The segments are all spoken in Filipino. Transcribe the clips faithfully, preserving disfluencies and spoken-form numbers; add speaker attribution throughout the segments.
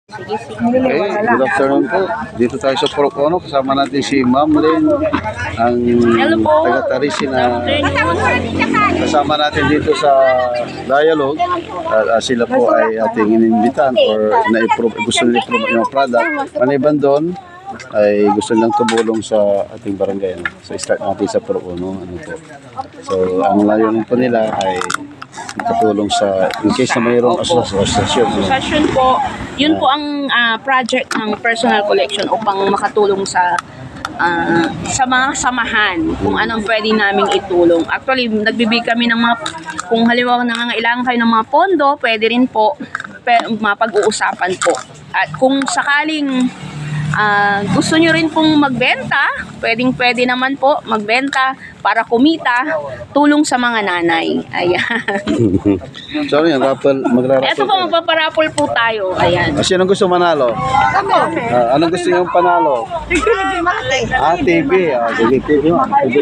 Speaker 1: Sige, sige.
Speaker 2: Okay, good afternoon po. Dito tayo sa Porocono. Kasama natin si Ma'am Lynn, ang taga-Tarisi na kasama natin dito sa dialogue. Uh, uh, sila po ay ating inimbitan or na-improve, gusto nila i-improve yung product. Maliban doon, ay gusto nilang tumulong sa ating barangay. Ano? So, start natin sa Porocono. Ano po. So, ang layunin po nila ay katulong sa in case na mayroong asosasyon.
Speaker 1: Asosasyon po, yun po ang uh, project ng personal collection upang makatulong sa uh, sa mga samahan kung anong pwede naming itulong. Actually, nagbibigay kami ng mga, kung halimbawa nangangailangan kayo ng mga pondo, pwede rin po mapag-uusapan po. At kung sakaling Uh, gusto nyo rin pong magbenta, pwedeng pwede naman po magbenta para kumita, tulong sa mga nanay. Ayan.
Speaker 2: So, yan, raffle, magra-raffle.
Speaker 1: Ito po, magpaparapol po tayo. Ayan.
Speaker 2: Ah, sino gusto manalo?
Speaker 1: Ako.
Speaker 2: Ah, anong gusto nyo panalo? Ah, T V. Ah, sige, T V.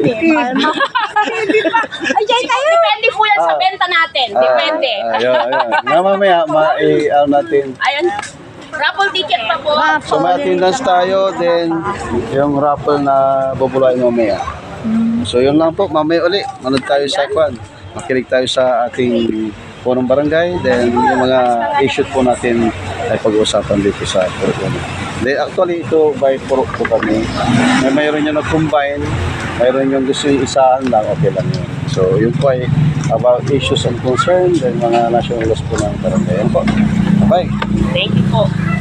Speaker 1: Ayan tayo. Depende po yan sa benta natin. Depende.
Speaker 2: Ah, ayun, ayun. Nga mamaya, ma-i-ano natin.
Speaker 1: Ayan. Raffle ticket pa po.
Speaker 2: So may attendance tayo, then yung raffle na bubulain mamaya. So yun lang po, mamaya uli, manood tayo sa kwan. Makinig tayo sa ating punong barangay, then yung mga issue po natin ay pag-uusapan dito sa Porocono. Then actually ito by Purok po kami. May mayroon yung nag-combine, mayroon yung gusto yung isahan lang, okay lang yun. So yun po ay about issues and concerns, then mga national laws po ng barangay. Yan po. Bye.
Speaker 1: Thank you po.